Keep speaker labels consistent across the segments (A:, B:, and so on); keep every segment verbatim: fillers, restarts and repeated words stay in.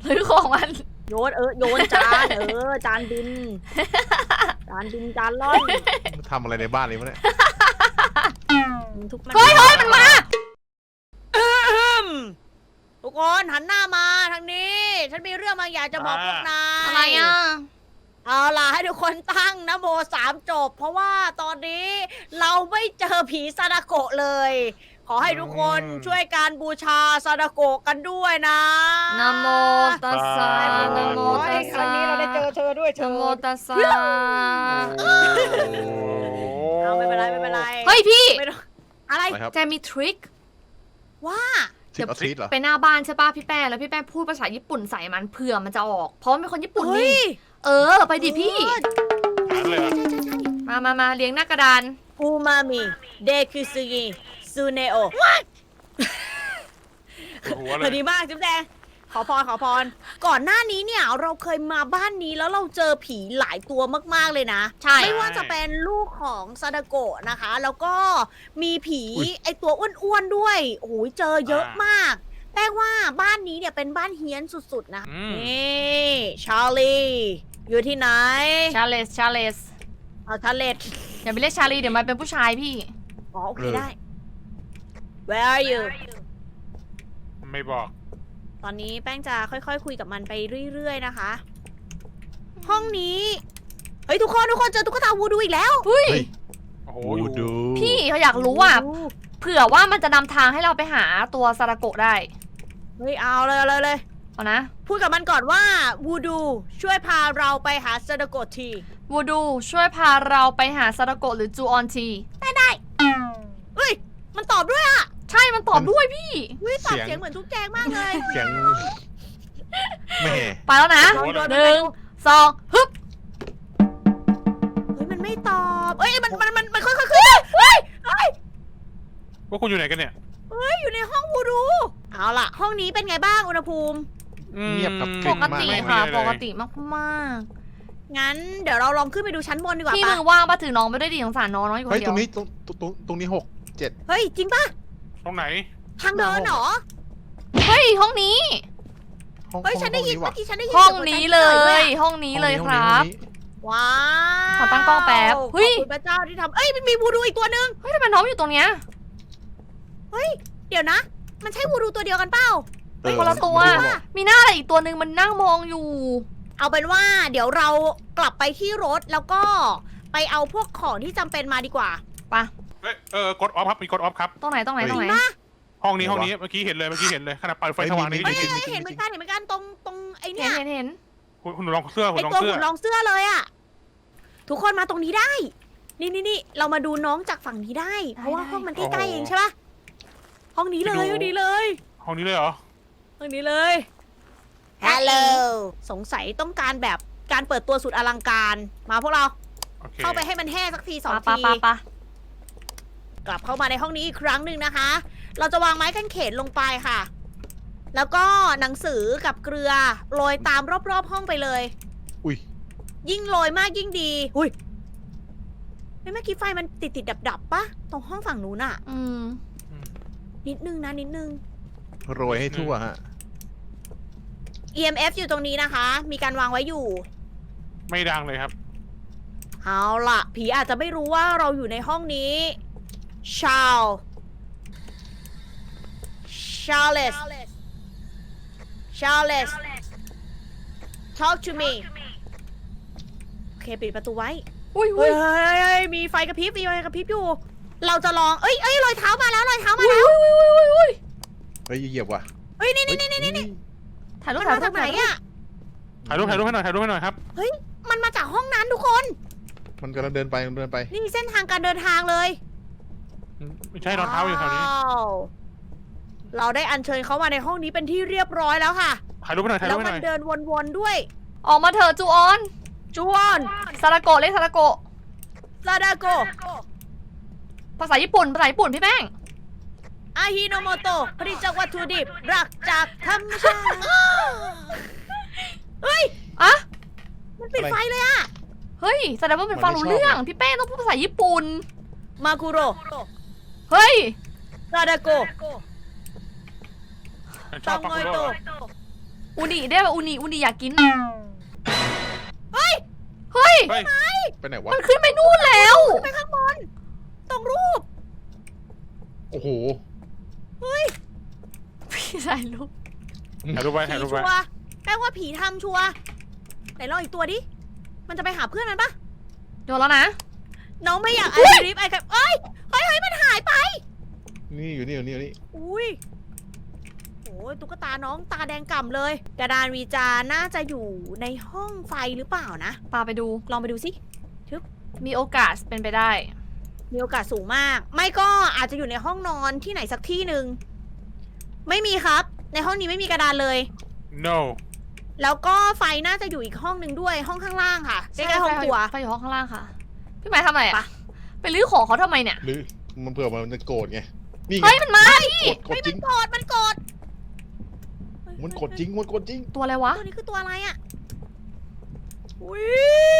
A: ซื้อของมัน
B: โยนเออโยนจานเออจานบินจานบินจานล่อน
C: ทำอะไรในบ้านนี้วะเนี่ย
B: ทุก
A: เฮ้ยเฮ้ยมันมา
B: ทุกคนหันหน้ามาทางนี้ฉันมีเรื่องบางอย่างจะบอกพวกนาย
A: อะไรอ่ะ
B: เอาล่ะให้ทุกคนตั้งนะโมสามจบเพราะว่าตอนนี้เราไม่เจอผีซาดาโกะเลยขอให้ทุกคนช่วยการบูชาซาดาโกะกันด้วยนะ
A: นะโมตัสสะนะโมตัสสะ
B: ครั้งนี้เราได้เจอเธอด้วยเธอ
A: นะโมตัสสะ
B: เอาไม่เป็นไรไม่เป็นไร
A: เฮ้ยพี่
B: อะไร
A: แจมีทริค
B: ว่า
C: เดี๋ยว
A: ไปหน้าบ้านใช่ป่ะพี่แป้แล้วพี่แป้พูดภาษาญี่ปุ่นใส่มันเผื่อมันจะออกเพราะมันเป็นคนญี่ปุ่นนี่เออไปดิพี่มามามาเลี้ยงหน้ากระดาน
B: อูมามิเดคุซุกิซูเนโอพอดีมากจุ๊บแดงขอพรขอพรก่อนหน้านี้เนี่ยเราเคยมาบ้านนี้แล้วเราเจอผีหลายตัวมากๆเลยนะ
A: ใช่
B: ไม่ว่าจะเป็นลูกของซาดาโกะนะคะแล้วก็มีผีไอตัวอ้วนๆด้วยโอ้โหเจอเยอะมากแปลว่าบ้านนี้เนี่ยเป็นบ้านเฮี้ยนสุดๆนะนี่ชาลีอยู่ที่ไหน
A: ชาเลสชาเลส
B: เอาชาเลส
A: อย่าไปเรียกชาลีเดี๋ยวมันเป็นผู้ชายพี่
B: อ๋อโอเคได้ Where are you
D: ไม่บอก
B: ตอนนี้แป้งจะค่อยๆคุยกับมันไปเรื่อยๆนะคะห้องนี้เฮ้ยทุกคนทุกคนเจอตุ๊กตาวูดูอีกแล้ว
A: เฮ้ย
D: โอ้โห
C: วูดู
A: พี่เขาอยากรู้ว่าเผื่อว่ามันจะนำทางให้เราไปหาตัวซาดาโกะได้
B: เฮ้ยเอาเลยเลยเลย
A: เอานะ
B: พูดกับมันก่อนว่าวูดูช่วยพาเราไปหาซาดาโกะที
A: วูดูช่วยพาเราไปหาซาดาโกะหรือจูออนที
B: ได้ได้เฮ้ยมันตอบด้วยอ่ะ
A: ใช่มันตอบด้วยพี่
B: เฮ้ยตอบเสียงเหมือนทุกแจงมากเลย
C: เสียงแม่
A: ไปแล้วนะหนึ่งสองฮึบ
B: เฮ้ยมันไม่ตอบเฮ้ยมันมันมันมันค่อยๆขึ้นเฮ้ยเฮ้ย
D: พวกคุณอยู่ไหนกันเนี่ย
B: เฮ้ยอยู่ในห้องวูดูเอาล่ะห้องนี้เป็นไงบ้างอุณหภูมิ
C: เงียบกับ
A: ปกติค่ะปกติมาก
B: ๆงั้นเดี๋ยวเราลองขึ้นไปดูชั้นบนดีกว่า
A: พี่มือว่างปะถือน้องไม่ได้ดีสงสารน้องน้องอยู่คนเดียว
C: เฮ้ยตรงนี้ตรงตรงตรงนี้หกเจ็ด
B: เฮ้ยจริงปะ
D: ตรงไหน
B: ทางเดินเหรอ
A: เฮ้ยห้องนี้
B: เฮ้ยฉันได้ยินเมื่อกี้ฉันได้ยิน
A: ห้องนี้เลยห้องนี้เลยครับ
B: ว้าว
A: ขอตั้งกล้องแป๊บ
B: เฮ้ยขอบคุณพระเจ้าที่ทำเอ้ยมันมีวูดูอีกตัวนึง
A: เฮ้ยทำไมน้องอยู่ตรงเนี้ย
B: เฮ้ยเดี๋ยวนะมันใช่วูดูตัวเดียวกันเปล่า
A: คนละตัวมีหน้าอะไรอีกตัวนึงมันนั่งมองอยู่
B: เอาเป็นว่าเดี๋ยวเรากลับไปที่รถแล้วก็ไปเอาพวกของที่จำเป็นมาดีกว่า
A: ปะ
D: เออเออกดออฟครับมีกดออฟครับ
A: ตรงไหนตรงไหนตรงไหน
D: ห้องนี้ห้องนี้เมื่อกี้เห็นเลยเมื่อกี้เห็นเลยขนาดเปิดไฟสว่างนี้
B: เห็นเห็นเหมือนกันเห็นเหมือนกันตรงตรงไอ้เนี่ย
A: เห็นเห็น
D: คุณคุณลองเสื้อคุณ
B: ลองเสื้อไอตัวคุณลองเสื้อเลยอ่ะทุกคนมาตรงนี้ได้นี่นี่นี่เรามาดูน้องจากฝั่งนี้ได้เพราะว่าห้องมันใกล้ๆเองใช่ปะห้องนี้เลยห้องนี้เลย
D: ห้องนี้เลยเหรอ
B: ห้องนี้เลยฮัลโหลสงสัยต้องการแบบการเปิดตัวสุดอลังการมาพวกเราเข้าไปให้มันแห้สักทีสองทีกลับเข้ามาในห้องนี้อีกครั้งหนึ่งนะคะเราจะวางไม้กางเขนลงไปค่ะแล้วก็หนังสือกับเกลือโรยตามรอบๆห้องไปเลย
C: อุ้ย
B: ยิ่งโรยมากยิ่งดีอุ้ยเมื่อกี้ไฟมันติดติดดับดับปะตรงห้องฝั่งนู้นอ่ะ
A: อืม
B: นิดนึงนะนิดนึง
C: โรยให้ทั่วฮะ
B: อี เอ็ม เอฟ อยู่ตรงนี้นะคะมีการวางไว้อยู่
D: ไม่ดังเลยครับ
B: เอาล่ะผีอาจจะไม่รู้ว่าเราอยู่ในห้องนี้ชาลชาเลสชาเลส talk to me โอเคปิดประตูไว้
A: อุ้ย
B: เฮ้ยมีไฟกระพริบมีไฟกระพริบอยู่เราจะลองเอ้ยเอ้ยรอยเท้ามาแล้วรอยเท้ามาแล้ว
C: เฮ้ยเหยียบว่ะ
B: เฮ้ยนี่นี่นี่นี่นี่
A: ถ่ายรูป
B: มาจากไหนอะ
D: ถ่ายรูปถ่ายรูปให้หน่อยถ่ายรูปให้หน่อยครับ
B: เฮ้ยมันมาจากห้องนั้นทุกคน
C: มันกำลังเดินไปเดินไป
B: นี่เส้นทางการเดินทางเลย
D: ไม่ใช่รองเท้าอยู่แถวนี้
B: เราได้อัญเชิญเขามาในห้องนี้เป็นที่เรียบร้อยแล้วค่ะ
D: ถ่ายรูปให้หน่อยถ่ายรูปให้หน่อย
B: แล้วมันเดินวนๆด้วย
A: ออกมาเถอะจูออน
B: จูออน
A: ซาดาโกะเรียกซาดาโกะ
B: ซาดาโกะ
A: ภาษาญี่ปุ่นภาษาญี่ปุ่นพี่แป้ง
B: อาฮิโนโมโตะผลิตจากวัตถุดิบรักจากธรรมชาติเฮ้ย
A: อะ
B: มันปิดไฟเลยอะ
A: เฮ้ยแสดงว่าเป็นฟังรู้เรื่องพี่แป้งต้องพูดภาษาญี่ปุ่น
B: มาคุโร
A: เฮ้ย
B: ซาดาโกะ
D: ชอบมาคุโร
A: อูนิได้ป่ะอูนิอูนิอยากกิน
B: เฮ้ย
A: เฮ้ย
D: เฮ้ย
C: ไปไหนวะ
A: มันขึ้นไปนู่นแล้ว
B: ไปข้างบนตรงรูป
C: โอ้โห
A: พี่ถ่ายรูป
D: ถ่ายรูปไว้
B: ผี
D: ถ่ายรูป
B: ชั
D: ไว้
B: วร์แปลว่าผีทำชัวร์ไหนลองอีกตัวดิ มันจะไปหาเพื่อนมันปะ
A: โดนแล้วนะ
B: น้องไม่อยากไอริฟไอครับเอ้ยเฮ้ยเฮ้ยมันหายไป
C: นี่อยู่นี่อยู่นี่อยู่นี่
B: อุ้ยโอ้ยตุ๊กตาน้องตาแดงก่ำเลย กระดานวีจาน่าจะอยู่ในห้องไฟหรือเปล่านะ
A: ปาไปดู
B: ลองไปดูสิ
A: มีโอกาสเป็นไปได้
B: มีโอกาสสูงมาก ไม่ก็อาจจะอยู่ในห้องนอนที่ไหนสักที่หนึ่ง ไม่มีครับ ในห้องนี้ไม่มีกระดานเลย
D: no
B: แล้วก็ไฟน่าจะอยู่อีกห้องหนึ่งด้วย ห้องข้างล่างค่ะใกล้ๆห้องครัว
A: ไปอยู่ห้องข้างล่างค่ะ พี่หมายทำอะไร
B: ไป
A: อะไปลื้อของเขาทำไมเนี่ย
C: หรือมันเผื่อมันจะโกรธไงนี่ไง
A: เฮ้ยมันมาพี่
C: กดกดจริง
B: กดมันกด
C: มันกดจริงมันกดจริง
A: ตัวอะไรวะ
B: ตัวนี้คือตัวอะไรอ่ะอุ้ย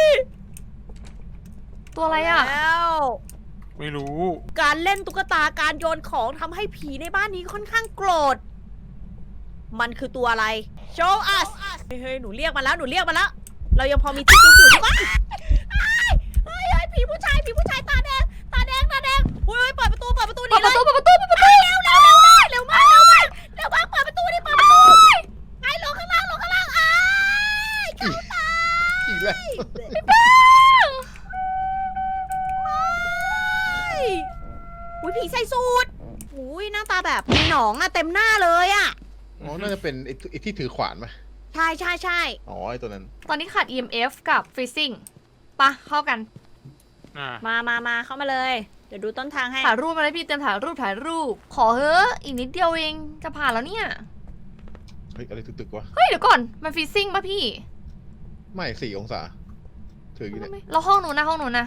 A: ตัวอะไรอะ
B: แล้ว
D: ไม่รู้
B: การเล่นตุ๊กตาการโยนของทำให้ผีในบ้านนี้ค่อนข้างโกรธ มันคือตัวอะไร show us เฮ้ยเฮ้ยหนูเรียกมาแล้วหนูเรียกมาแล้ว เรายังพอมีที่จุกอยู่ใช่ปะเฮ้ยเฮ้ยเฮ้ยผีผู้ชายผีผู้ชายตาแดงตาแดงตาแดงเฮ้ยเปิดประตูเปิดประตูห
A: เปิ
B: นี่
A: ดป
B: เล
A: ระ
B: ย
A: ตูเปิดประตูเปิดประตู
B: เร็วเร็วเร็วเร็วมากเร็วมากเร็วมากเปิดประตูดิเปิดประตูไปลงข้างล่างลงข้างล่างอ้ายเข้าตา
C: อีกแล้ว
B: อุ้ยผีใส่สูทอุ้ยหน้าตาแบบมีหนองอะเต็มหน้าเลยอะ
C: อ๋อน่าจะเป็นไอ้ไอ้ที่ถือขวานไหม
B: ใช่ใช่ใช่
C: อ๋อไอ้ตัวนั้น
A: ตอนนี้ขาด อี เอ็ม เอฟ กับ freezing ปะเข้ากัน
D: อ่า
B: มามามาเข้ามาเลย เดี๋ยวดูต้นทางให้
A: ถ่ายรูปมาเลยพี่เตรียมถ่ายรูปถ่ายรูป ขอเฮ้อะอีกนิดเดียวเองจะผ่านแล้วเนี่ย
C: เฮ้ยอะไรตึกๆวะ
A: เฮ้ยเดี๋ยวก่อนมัน freezing ปะพี่
C: ไม่สี่องศาถืออยู่เนี่ย
A: เราห้องนู้นนะห้องนู้นนะ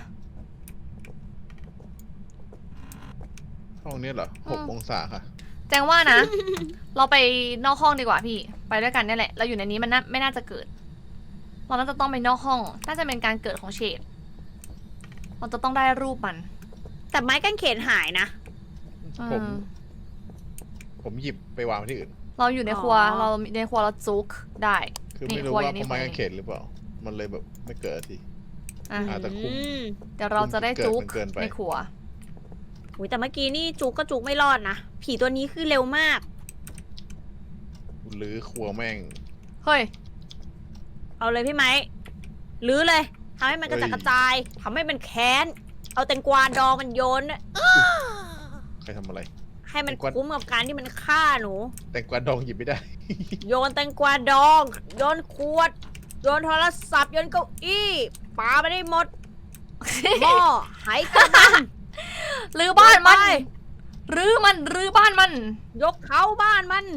C: ห้องนี้เหรอหก
A: อืม
C: องศาค่ะ
A: แจงว่านะ เราไปนอกห้องดีกว่าพี่ ไปด้วยกันเนี่ยแหละ เราอยู่ในนี้มันน่าไม่น่าจะเกิด เราน่าจะต้องไปนอกห้อง น่าจะเป็นการเกิดของเฉดเราจะต้องได้รูปมัน
B: แต่ไม้กางเขนหายนะ
C: ผม
A: อืม
C: ผมหยิบไปวางไว้ที่อื่น
A: เราอยู่ในครัว
B: อ๋อ
A: เราในครัวเราจุกได้
C: คือ
A: นี่
C: ไม่รู้
A: ครัว
C: ว่า
A: อยู่นี่
C: เพราะไม้
A: ครัวอยู่นี่
C: กางเขนหรือเปล่า มันเลยแบบไม่เกิดที
A: อ่ะ
C: อ่าแต่คุม
B: อืม
A: เดี๋ยวเราจะได้จุก
C: เกินไป
A: ในครัว
B: อุ้ยแต่เมื่อกี้นี่จุกก็จุกไม่รอดนะ ผีตัวนี้คือเร็วมาก
C: หรือครัวแม่ง
A: เฮ้ย
B: เอาเลยพี่ไม้ลื้อเลยทำให้มันกระจัด
C: เฮ้ย
B: กระจายทำให้มันแค้น เอาแตงกวาดองมันโยนน่ะ
C: ใครทำอะไร
B: ให้มัน
C: แตงกวา
B: คุ้มกับการที่มันฆ่าหนู
C: แต่งกวาดองหยิบไม่ได้
B: โยนแตงกวาดอง โยนขวด โยนโทรศัพท์ โยนเก้าอี้ปาไปได้หมด หม้อไหกระมัง
A: รื้อบ้านมัน
B: ไป
A: รื้อมัน รื้อบ้านมัน
B: ยกเขาบ้านมัน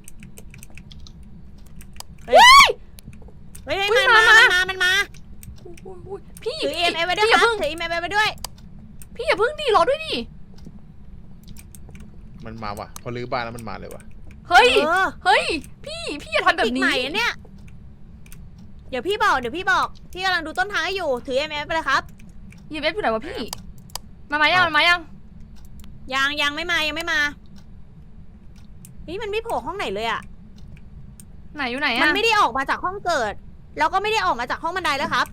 B: เฮ้ย เฮ้ย
A: อุ๊
B: มั
A: ย
B: นมา
A: มา
B: มันมา มันมา
A: อุ๊ยพี่
B: ถือ
A: พี่
B: เอ็มเอไว้ด้วย
A: พี่อ
B: ค
A: ย่า
B: รับ
A: เพิ่ง
B: ถือเอ็มเอไว้ด้วย
A: พี่อย่าเพิ่งดิรอด้วยดิ
C: มันมาว่ะ พอรื้อบ้านแล้วมันมาเลยวะ
A: เฮ้ย
B: เออ
A: เฮ้ย พี่ พี่อย่าทำแบบ
B: ปีก
A: นี้
B: ใหม่อะเนี่ย เดี๋ยวพี่บอก เดี๋ยวพี่บอก พี่กำลังดูต้นทางให้อยู่ ถือเอ็มเอไปเลยครับ
A: ยีเอฟอยู่ไหนวะพี่ มามายังมันมายัง
B: ยังยังไม่มา ยังไม่มา นี่มันไม่โผล่ห้องไหนเลยอะ
A: ไหนอยู่ไหน
B: มัน
A: อะ
B: ไม่ได้ออกมาจากห้องเกิด แล้วก็ไม่ได้ออกมาจากห้องบันไดแล้วครับ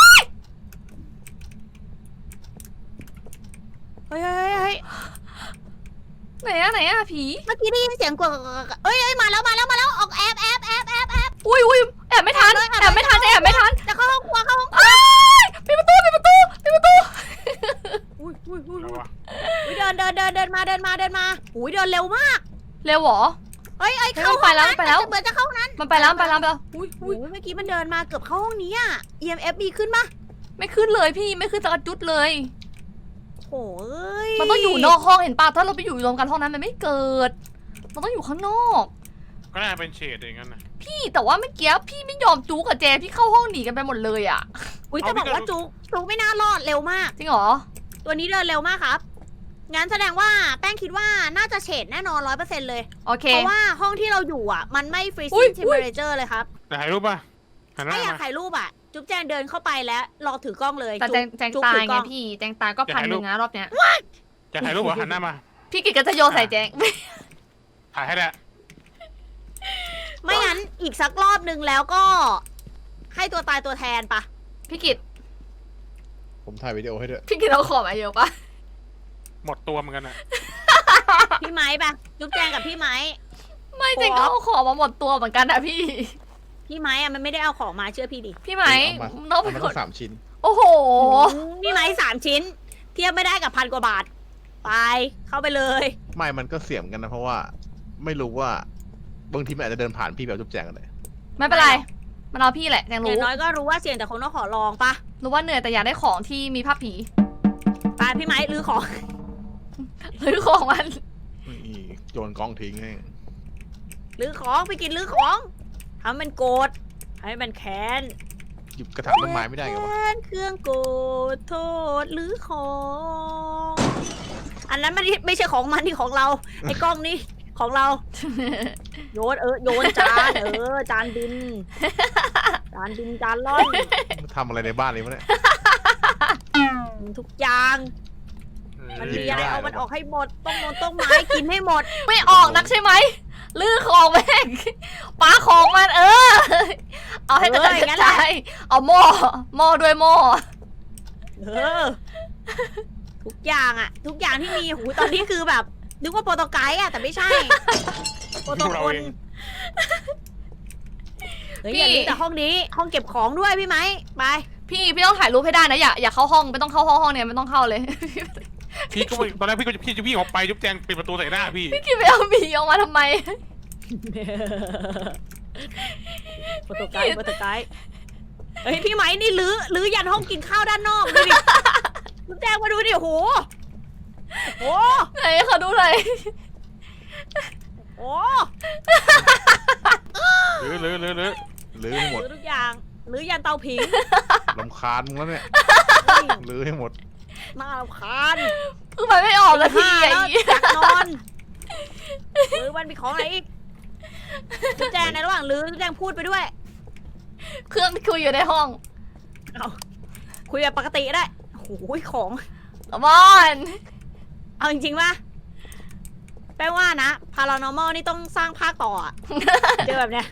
B: เฮ้ยเฮ้ยเฮ้ย
A: ไหนอะไหนอะผี
B: เมื่อกี้ได้ยินเสียงกวดเอ้ยเอ้ยมาแล้วมาแล้วมาแล้ว ออกแอบแอบแอบแอบแอบ
A: อุ้ยอุ้ยแอบไม่ทัน
B: แอบเลย
A: แอบไม่ทัน
B: แอบเลย
A: แอบไม่ทัน
B: จะเข้าห้องครัวเข้าห้อง
A: อ้ายปิดประตูปิดประตูปิดประตู
B: อุ้ยอุ้ยอุ้ย
D: แล้ววะ
B: อุ้ยเดินเดินเดินเดินมาเดินมาเดินมาอุ้ยเดินเร็วมาก
A: เร็วเหรอ
B: เอ้ยเอ้ย
A: เฮ้ย
B: เข้า
A: ไปแล้ว
B: ห้องนั้น
A: ไปแล้ว
B: เหมือนจะเข้าห้องนั้น
A: มันไปแล้วมันไปแล้วมันไปแล้วอุ้ย
B: อุ้
A: อุ้
B: ย
A: ย
B: เมื่อกี้มันเดินมาเกือบเข้าห้องนี้อ่ะ อี เอ็ม เอฟ มีขึ้นปะ
A: ไม่ขึ้นเลยพี่ไม่ขึ้นสักจุดเลย
B: โอ้ย
A: มันต้องอยู่นอกห้องเห็นป่ะถ้าเราไปอยู่รวมกันห้องนั้นมันไม่เกิด มันต้องอยู่ข้างนอก
D: ก็น่าเป็นเฉดอย่างนั้นนะ
A: พี่แต่ว่าเมื่อกี้พี่ไม่ยอมจูกับเจพี่เข้าห้องหนีกันไปหมดเลยอะ
B: อุ้ยจะบอกว่าจุกจุกไม่น่ารอดเร็วมาก
A: จริงเหรอ
B: ตัวนี้เดินเร็วมากครับ งั้นแสดงว่าแป้งคิดว่าน่าจะเฉดแน่นอนร้อยเปอร์เซ็นต์เลย
A: โอเค
B: เพราะว่าห้องที่เราอยู่อ่ะ มันไม่
A: อุ๊ย
B: freezing temperature เลยครับ
D: แต่ถ่ายรูปป่ะหันหน้า
B: ถ้าอยาก
D: มา
B: ถ่ายรูปอ่ะ จุ๊บแจงเดินเข้าไปแล้วรอถือกล้องเลย
A: แต่แจงแจง
B: จุ๊บ
A: ตาย
B: ถือก
A: ไง
B: ล้อง
A: พี่แจงตายก็พันหนึ่งนะรอบเนี้ย
D: จะถ่ายรูปเหรอหันหน้ามา
A: พี่กิจก็จะโยนใส่แจง
D: ถ่ายให้แหละ
B: ไม่งั้นอีกสักรอบหนึ่งแล้วก็ ให้ตัวตายตัวแทนปะ
A: พี่กิต
C: ผมถ่ายวิดีโอให้ด้วย
A: พี่กิตเอาของมาเยอะปะ
D: หมดตัวเหมือนกันอะ
B: พี่ไม้ปะจุ๊บแจงกับพี่ไม้
A: ไม่จริงก็เอาของมาหมดตัวเหมือนกันอะพี่
B: พี่ไม้อะมันไม่ได้เอาของมาเชื่อพี่ดิ
A: พี่ไหม
C: เอามา
A: น้อง
C: เอา
A: เป็น
C: มา
A: ค
C: ต้
A: น
C: องสามชิ้น
A: โอ้โห
B: พี่ไม้สามชิ้น เทียบไม่ได้กับพันกว่าบาท ไปเข้าไปเลย
C: ไม่มันก็เสี่ยงกันนะเพราะว่าไม่รู้ว่าบางทีมันอาจจะเดินผ่านพี่แบบจุ๊บแจงกันเลย
A: ไม่เป็นไร มันเอาพี่แหละแจง
B: อ
A: รู้
B: ย่างน้อยก็รู้ว่าเสี่ยงแต่คงต้องขอลองปะ
A: รู้ว่าเหนื่อยแต่อยากได้ของที่มีภาพผี
B: ไปพี่ไม้ลื้อของ
A: หรือของมัน
C: นี่โยนกล้องทิ้งให้
B: ลื้อของไปกินลื้อของทำให้มันโกรธให้มันแค้น
C: หยิบกระถางต้นไม้ไม่ได้ไงวะ
B: แค้นเครื่องโกรธโทษลื้อของ อันนั้นมันไม่ใช่ของมันที่ของเรา ไอ้กล้องนี่ของเรา โยนเออโยนจานเออจานบิน จานบินจานล่อน
C: ทำอะไรในบ้านนี้วะเนี่ย
B: ทุกอย่าง มัน
C: หยิบ
B: มีอะไร
C: ไม่ได้
B: เอามัน
C: หรอ
B: ออกให้หมด ต้องมนต้องไม้กินให้หมด
A: ไม่ออกนักใช่ไหมลื้อของแม่งปาของมันเออ เอาให้กระจาย
B: เอออย่าง
A: ก
B: นั้
A: ระ
B: นแหละ
A: จายเอาหม้อหม้อด้วยหม้อ
B: เออ ทุกอย่างอะทุกอย่างที่มีหูตอนนี้คือแบบ นึกว่าโปรโตไกด์อะแต่ไม่ใช่ โปรโตคน เฮ้ยอย่าลืมแต่ห้องนี้ ห้องเก็บของด้วยพี่ไหมไป
A: พี่พี่ต้องถ่ายรูปให้ได้นะอย่าอย่าเข้าห้องไม่ต้องเข้าห้องห้องเนี่ยไม่ต้องเข้าเลย
D: พี่ก็ไม่ตอนแรกพี่ก็จะพี่จะวิ่งออกไปจุ๊บแจงปิดประตูใส่หน้าพี่
A: พี่กินไปเอาหมีออกมาทำไม
B: โปรโตไกด์โปรโตไกด์เฮ้ยพี่ไหมนี่ลื้อลื้อยันห้องกินข้าวด้านนอกดูดิลูกแจ้งมาดูดิโอ้โหโอ้โห
A: ไหนเขาดูเลย
B: โอ้
D: หรือหรือหรือหรือ
C: ลื้อให้หมด
B: ลื้อทุกอย่างลื้อยันเตาผิง
C: ลำคาญมึงแล้วเนี่ยลื้อให้หมด
B: น่ารำคาญ
A: เพิ่งไปไม่ออกเลยพี่
B: แล้
A: ไอ้
B: ว
A: เหี้ย
B: อยากนอนลื้อมันมีของอะไรอีกลูกแจ้งในระหว่างลื้อลูกแจ้งพูดไปด้วย
A: เครื่องคุยอยู่ในห้อง
B: เอาคุยแบบปกติก็ได้โอ้โหของ
A: บอน
B: เอาจริงๆป่ะแปลว่านะ paranormal นี่ต้องสร้างภาคต่ออะ เจอแบบเนี้ย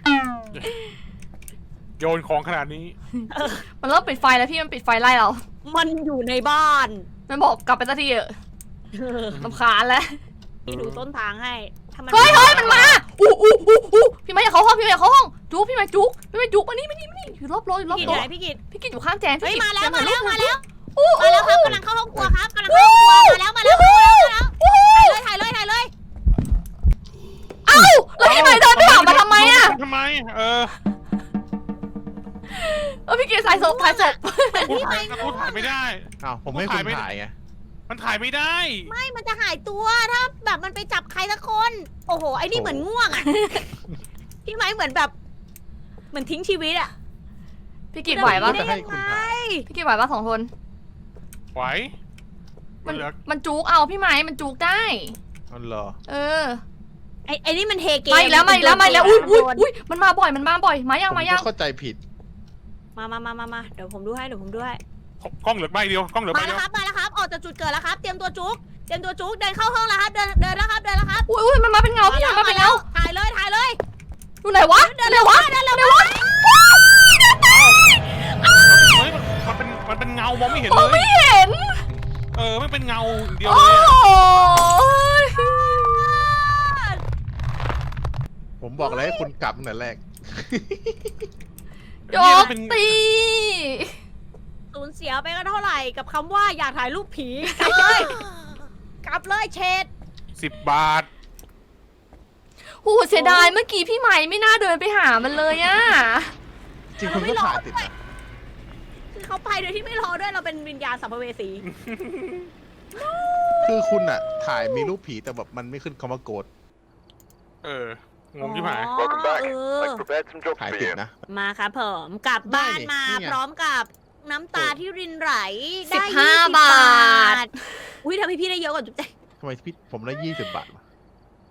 D: โยนของขนาดนี้
A: มันเริ่มปิดไฟแล้วพี่มันปิดไฟไล่เรา
B: มันอยู่ในบ้าน
A: มันบอกกลับไปสักทีเถอะรำคาญแล้ว
B: พี่ดูต้นทางให้ถ้ามัน
A: เฮ้ยเฮ้ยมันมาอู้อู้อู้อู้พี่ไม่อยากเข้าห้องพี่ไม่อยากเข้าห้องจุกพี่ไม่จุกพี่ไม่จุกมานี่มานี่มานี่อยู่รอบโลอยู่รอบ
B: พี่
A: โล
B: กิจไหนพี่กิจ
A: พี่กินอยู่ข้างแจง
B: เฮ้ย
A: พี่กิจ
B: มาแล้ว
A: เจ
B: มา
A: อ
B: แล้วมาแล้ว
A: อู้
B: มาแล้วครับกำลังเข้าห้องครัวครับกำลังเข้าห้องครัวมาแล้วมาแล้วมาแล้วมาแล้วถ่ายเลยถ่ายเลยถ่ายเลย
A: เอ้าแล้วพี่ไม่เดินผ่านมาทำไมอะ
D: ทำไม เออ
A: เออพี่กินสายศพสายศพ
D: กูถ่ายกูถ่ายไม่ได้
C: อ้าวผมไม่ให้คุณถ่ายไง
D: มันถ่ายไม่ได้
B: ไม่มันจะหายตัวถ้าแบบมันไปจับใครสักคน โอ้โหไอ้นี่เหมือนง่วงอ่ะพี่ไม้เหมือนแบบ เหมือนทิ้งชีวิตอ่ะ
A: พี่กินไหวปะ
B: ได้ยังไง
A: พี่กินไหวปะสองคน
D: ไหว
A: มัน
D: เหลือ
A: มันจุกเอาพี่ไม้มันจุกได้
C: อ๋อเหรอ
A: เออ
B: ไอ้ไอ้นี่มันเฮเกม
A: มาอีกแล้วมาอีกแล้วมาอีกแล้วอุ้ยอุ้ยอุ้ยมันมาบ่อยมันมาบ่อยมายัง
C: ผม
A: มายั
C: ก็
A: ง
C: เข้าใจผิด
B: มามามามามาเดี๋ยวผมดูให้เดี๋ยวผมดูให้
D: กล้องเหลือใบเดียว กล้องเหลือใบ
B: มา
D: เดี
B: แล้
D: ยว ว
B: ครับมาแล้วครับออกจากจุดเกิดแล้วครับ เตรียมตัวจุกเตรียมตัวจุกเดินเข้าห้องแล้วครับเดินเดินแล้วครับเดินแล้วครับ
A: อุ้ยอุ้ยมันมาเป็นเงาพี่มันมาเป็นเงา
B: ถ่ายเลยถ่ายเลย
A: อยู่ไหนวะ
B: เดิน
A: ไหน
B: เร็ว
A: วะ
B: เดินเร็ว
A: ไหนวะ
D: เฮ้ย มันเป็น มันเป็นเงามองไม่เห็น
A: ม
D: เล
A: องไม่
D: ย
A: เห็น
D: เออ ไม่เป็นเงาอย่างเดียว
A: โอ้
D: เลยอะ
A: ย
C: ผมบอกเลยให้คุณกลับตั้งแต่แรก
A: โย
D: เนี่ย
A: ก
D: มันเป็น
A: ตี
B: สูญเสียไปก็เท่าไหร่กับคำว่าอยากถ่ายรูปผีกลับเลย กลับเลยเชด
D: สิบบาท
A: โอ้โหเสียดายเมื่อกี้พี่ใหม่ไม่น่าเดินไปหามันเลยอะ
C: จริงคุณก็ถ่ายติดนะ
B: คือเขาไปโดยที่ไม่รอด้วยเราเป็นวิญญาณสัมภเวสี
C: คือคุณอะถ่ายมีรูปผีแต่แบบมันไม่ขึ้นคำว่าโกด
D: เออ งงที่หาย
B: อ๋อเออ
E: prepared some jobs
C: ถ่าย
E: for
C: ติด
E: you.
C: นะ
B: มาครับผมกลับบ้าน
C: ได้นี่
B: มา
C: นี่ไง
B: พร้อมกับน้ำตาที่รินไหล
A: สิบ
B: ได้
A: ห้า
B: ยี่สิ
A: บาท
B: อุ้ยทำให้พี่ได้เยอะกว่าจุ๊บแจ๊
C: ทำไมพี่ผมได้ยี่สิบบาทวะ